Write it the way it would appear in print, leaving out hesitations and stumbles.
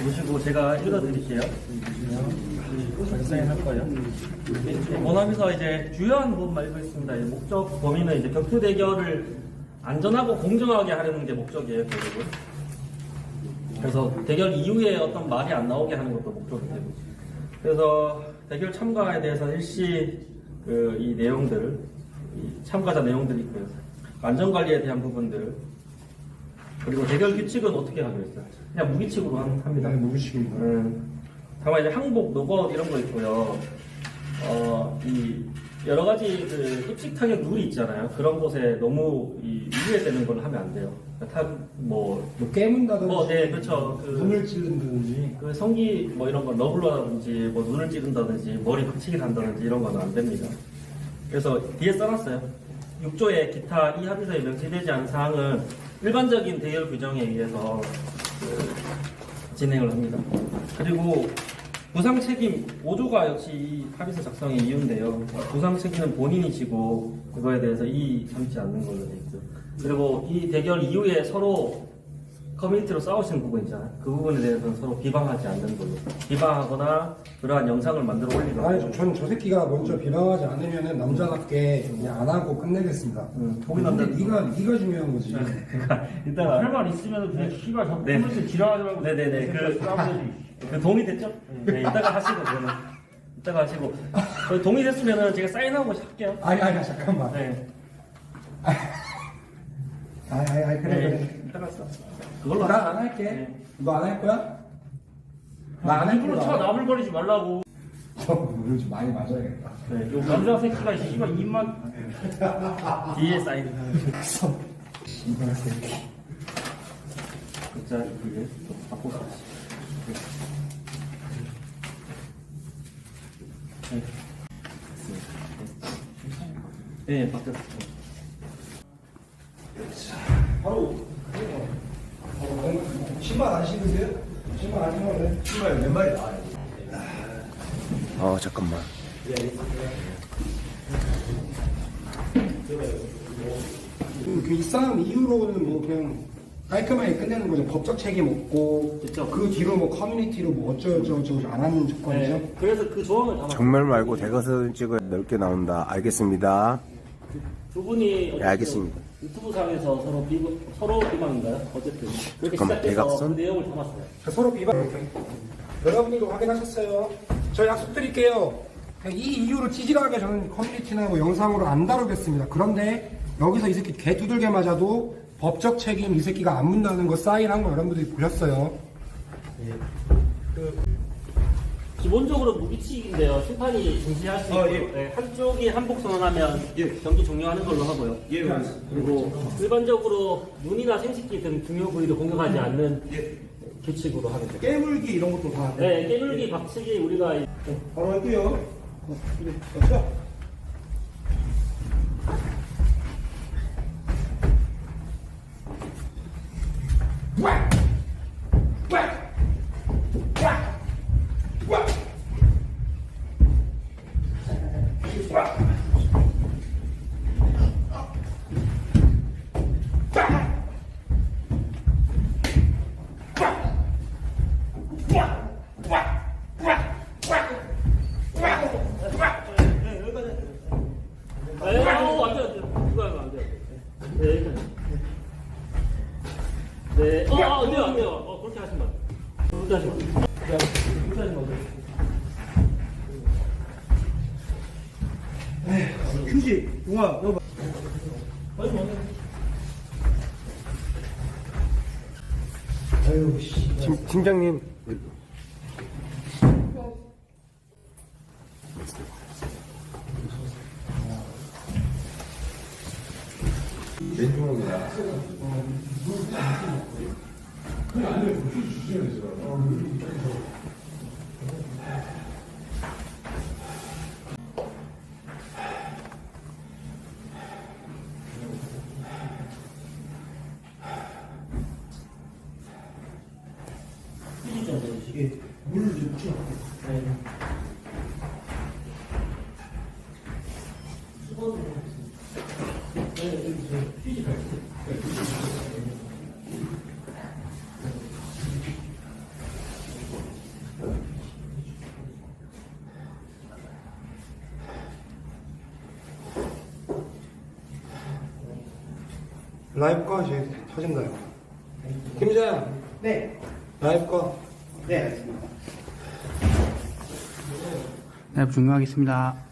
보시고 제가 읽어드릴게요. 사인할 거예요. 원합에서 이제 주요한 부분만 읽고 있습니다. 목적 범위는 이제 격투 대결을 안전하고 공정하게 하려는 게 목적이에요, 결국은. 그래서 대결 이후에 어떤 말이 안 나오게 하는 것도 목적이 되고. 그래서 대결 참가에 대해서 일시 이 내용들, 이 참가자 내용들이 있고요. 안전관리에 대한 부분들, 그리고 대결 규칙은 어떻게 하기로 했어요? 그냥 무기칙으로 합니다. 네, 무기칙입니다. 다만 이제 항복, 노것 이런 거 있고요. 이 여러 가지 그 입식 타격 룰이 있잖아요. 그런 곳에 너무 위배되는 걸 하면 안 돼요. 뭐 깨문다든지, 네, 그렇죠. 눈을 찌른다든지, 그 성기 뭐 이런 거 러블러라든지, 뭐 눈을 찌른다든지, 머리 박치기 한다든지 이런 거는 안 됩니다. 그래서 뒤에 써놨어요. 6조의 기타 이 합의서에 명시되지 않은 사항은 일반적인 대결 규정에 의해서 진행을 합니다. 그리고 부상 책임 5조가 역시 이 합의서 작성의 이유인데요. 부상 책임은 본인이 지고 그거에 대해서 이의 삼지 않는 걸로 되어 있죠. 그리고 이 대결 이후에 서로 커뮤니티로 싸우시는 부분 있잖아요. 그 부분에 대해서는 서로 비방하지 않는 걸로. 비방하거나 그러한 영상을 만들어 올리거나. 아니, 전 저 새끼가 먼저 비방하지 않으면은 남자답게 그냥 안 하고 끝내겠습니다. 근데 네가 중요한 거지. 그러니까 이따가 할 말 있으면 그냥 씨발 자꾸 네. 코멘트 지랄하지 말고 네네네. 그 동의됐죠? 네, 이따가 하시고 그거는 이따가 하시고 동의됐으면은 제가 사인하고 할게요. 아니 잠깐만. 네. 그래 그래. 이따가 써. 그걸로 나 안 할게. 네. 너 안 할 거야? 나 안 할 일부러 차 거야. 나불거리지 말라고. 저 오늘 좀 많이 맞아야겠다. 네. 요 남자 새끼가 씨발 입만 뒤에 사인. 이발 새끼. 글자 이게 바꿔서. 네, 바뀌었어요. 바로 신발 안 신으세요? 신발 안 신으면 신발 왼발이 나와요. 잠깐만. 이 싸움 이후로는 뭐 그냥 깔끔하게 끝내는 거죠. 법적 책임 없고 그쵸. 그 뒤로 뭐 커뮤니티로 뭐 어쩌고저쩌고 안 하는 조건이죠. 네, 그래서 그 조항을 담아. 정말 말고 대것을 찍어 넓게 나온다. 알겠습니다. 두 분이 네, 알겠습니다. 유튜브 상에서 서로 비방인가요? 어쨌든 그렇게 잠깐만, 시작해서 대각선? 그 내용을 담았어요. 서로 비방. 여러분들도 확인하셨어요. 저 약속 드릴게요. 이 이유로 찌질하게 저는 커뮤니티나 뭐 영상으로 안 다루겠습니다. 그런데 여기서 이 새끼 개 두들겨 맞아도 법적 책임 이 새끼가 안 묻는다는 거 사인한 거 여러분들이 보셨어요. 기본적으로 무기칙인데요. 심판이 중시할 수 있고 네, 한쪽이 한복 선언하면 경기 종료하는 걸로 하고요. 그리고 일반적으로 눈이나 생식기 등 중요 부위를 공격하지 않는 규칙으로 하겠습니다. 깨물기 이런 것도 다. 네, 깨물기, 박치기 우리가 바로 할게요. 그렇죠? 네, 안 돼요. 그렇게 하시면 안 돼요. 그렇게 하시면 안 돼요. 그렇게 하시면 안 돼요. 휴지, 용아, 넣어봐. 빨리 먹어. 아유, 씨. 팀장님. 물을 줬죠? 라이브 꺼, 이제 터진다, 이거. 김장. 네. 라이브 꺼. 네, 알겠습니다. 네, 종료하겠습니다.